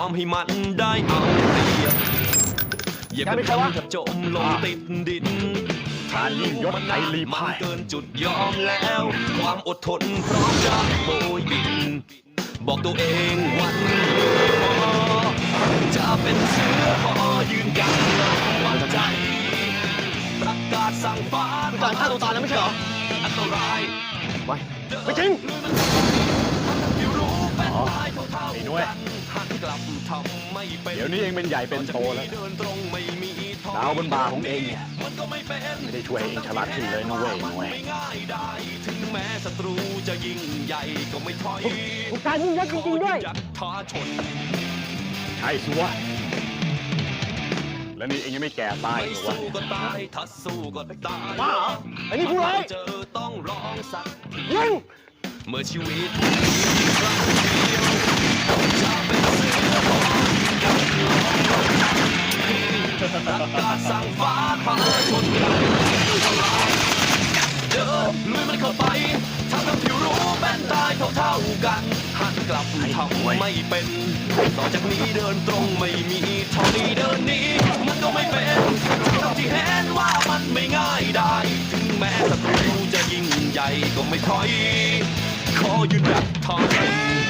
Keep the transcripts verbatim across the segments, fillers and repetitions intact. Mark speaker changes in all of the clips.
Speaker 1: อมให้มันได้เอาเปรียบอย่าเป็นใครวะจมลงติดดินการยิ่งยศไทยลีมันเกินจุดยอมแล้วความอดทนพร้อมจะโบยบินบอกตัวเองวันจะเป็นเสือพอยืนยันวันใจประกาศสั่งฟ้าการฆ่าตัวตายแล้วไม่ใช่เหรออันตรายไม่ไม่จริงอ๋อไอ้น้อยเดี๋ยวนี้เองเป็นใหญ่เป็นโตแล้วดาวบนบ่าของเองเนี่ยไม่ได้ช่วยเองฉลาดขึ้นเลยนะเว้ยน้อยถึงแม้ศัตรูจะยิ่งใหญ่ก็ไม่ถอยผู้การยิ่งยักษ์จริงๆด้วยท้าชนใช่สิวะแล้วนี่เองยังไม่แก่ตายหรอวะสู้ก็ตายถ้าสู้ก็ตายว้าไอ้นี่ผู้ร้ายเจอต้องร้องสักยิงเมื่อชีวิตมีครั้งเดียวจะเป็นเสือพอยังประกาศสั่งฟ้าพาชนกันทำลายเดินลุยมันเข้าไปทำให้ผิวรู้แบนตายเท่าๆกันหันกลับทำไม่เป็นต่อจากนี้เดินตรงไม่มีถอยเดินหนีมันก็ไม่เป็นทั้งที่เห็นว่ามันไม่ง่ายได้ถึงแม้ศัตรูจะยิ่งใหญ่ก็ไม่ถอยขอยืนหยัดทน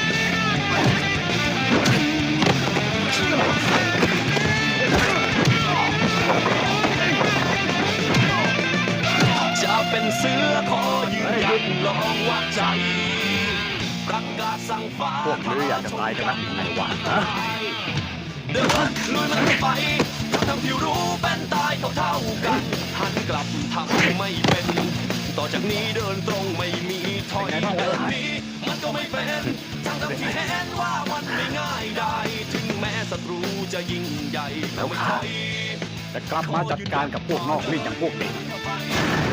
Speaker 1: จะเป็นเสือขอยืนหยัดลองวัดใจประกาศสั่งฟ้าพวกนี้อยากจะตายกันนักไหนวะเดินลุยมันไปทั้งที่รู้เป็นตายเท่าๆกันหันกลับทำไม่เป็นต่อจากนี้เดินตรงไม่มีถอยเดินหนีมันก็ไม่เป็นทั้งที่เห็นว่ามันไม่ง่ายได้ถึงแม้ศัตรูจะยิ่งใหญ่ก็ไม่ถอย
Speaker 2: จะกลับมาจัดการกับพวกนอกรีดอย่างพวกเด็ก